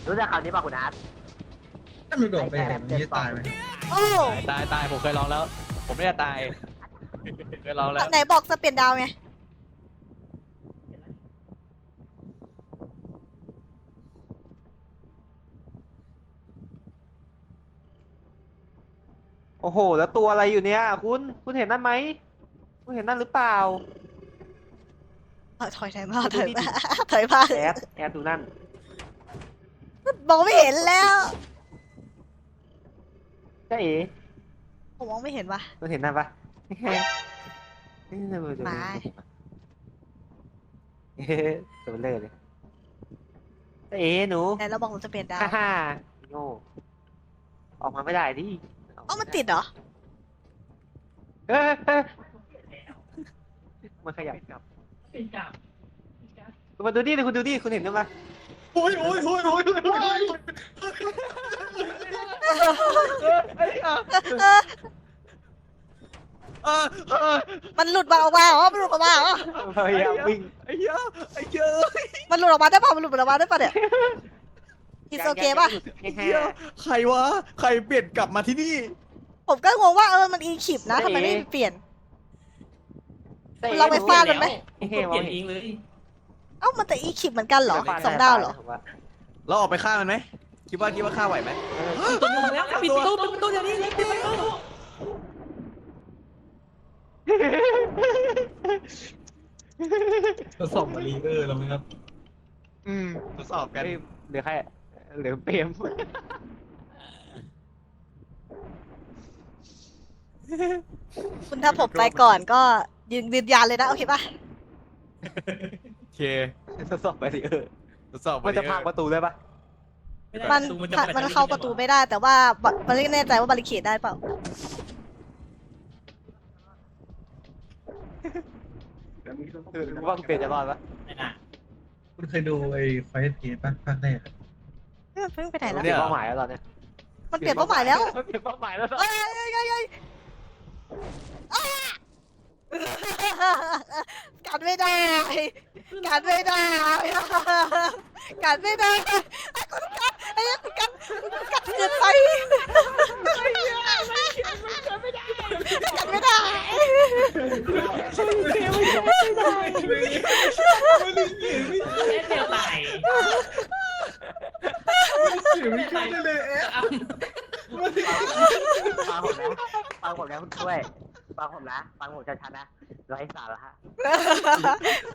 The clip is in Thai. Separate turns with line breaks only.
รู้จักคำนี้ป่ะคุณอาร์ต
ถ้ามันโดดไปแบบนี้ตายไหม
โอ้
ตายผมเคยลองแล้ว ผมไม่ได้ตายเคยลองแล้ว
ไหนบอกจะเปลี่ยนดาวไง
โอ้โห แล้วตัวอะไรอยู่เนี่ยคุณเห็นนั่นไหมคุณเห็นนั่นหรือเปล่า
ถอยมาถอยมาถอยมา
แอดดูนั่น
มองไม่เห็นแล้ว
ใช่เอ๋
ผมมองไม่เห็นว่ะ
คุณเห็นนั่นปะ
มา
ตัวเลิศเลยใช่เอ๋หนู
ไหนเราบอกเราจะเปลี่ยนดาว
ฮ่าโง่ออกมาไม่ได้ดิ
เอ้ามันติดเหรอ
เฮ้ยมันขยับกลับคุณมาดูดิคุณดูดิคุณเห็นไหม
โอ้ย
มันหลุดมาออกมาเหรอมันหลุดออกมาเหรอ
พยายามวิ่ง
ไอ้เหี้ยอะ
มันหลุดออกมาได้ป่ะมันหลุดออกมาได้ป่ะเนี่ยอิสโอเคป่ะ
ใครวะใครเปลี่ยนกลับมาที่นี่
ผมก็งงว่ามันอีคิปนะทำไมไม่เปลี่ยน เราไปฟาดมันไหม
เฮ้ย
เปลี่ยนเองเลย
เอ้ามันแต่อีคิปเหมือนกันเหรอ2 ดาวเหรอ
เราออกไปฆ่ามันไหมคิดว่าฆ่าไหวไหม
ตัวนึงมาแล้วปิดประตูเดี๋ยวนี้ปิดประตู
ทดสอบมารีเออร์แล้วไหมครับ
ทดสอบกัน
เหลือใครเหลือเปรม
คุณถ้าผมไปก่อนก็ยืนยันเลยนะโอเคป่ะ
โอเค
ทดสอบไปสิ
ทดสอบ
มันจะพังประตูได้ปะ
ไม่ได้
มัน
จะ
มันเข้าประตูไม่ได้แต่ว่ามันไม่แน่ใจว่าบาริเคดได้เปล่า
ว่าเปลี่ยนจะรอดปะ
ไม่น่า
คุณเคยดูไอ้ไฟท์เทปป่ะภาคแรกอะ
มันเพิ่งไปไหนแล้ว
เปลี่ยนเป้าหมายแล้วตอนนี้
มันเปลี่ยนเป้าหมายแล้ว
เปลี่ยนเป้าหมายแล้ว
เอ้ยกันไม่ได้กันไม่ได้กันไม่ได้คุณกันไอ้คุณกันเกินไปกันไม่ได้
เล่นเดียวตาย
เสียงไม่ขึ้นเลยเอ๊ะ
ฟังผมนะคุณช่วยฟังผมนะฟังผมชัดๆนะไร้สาระ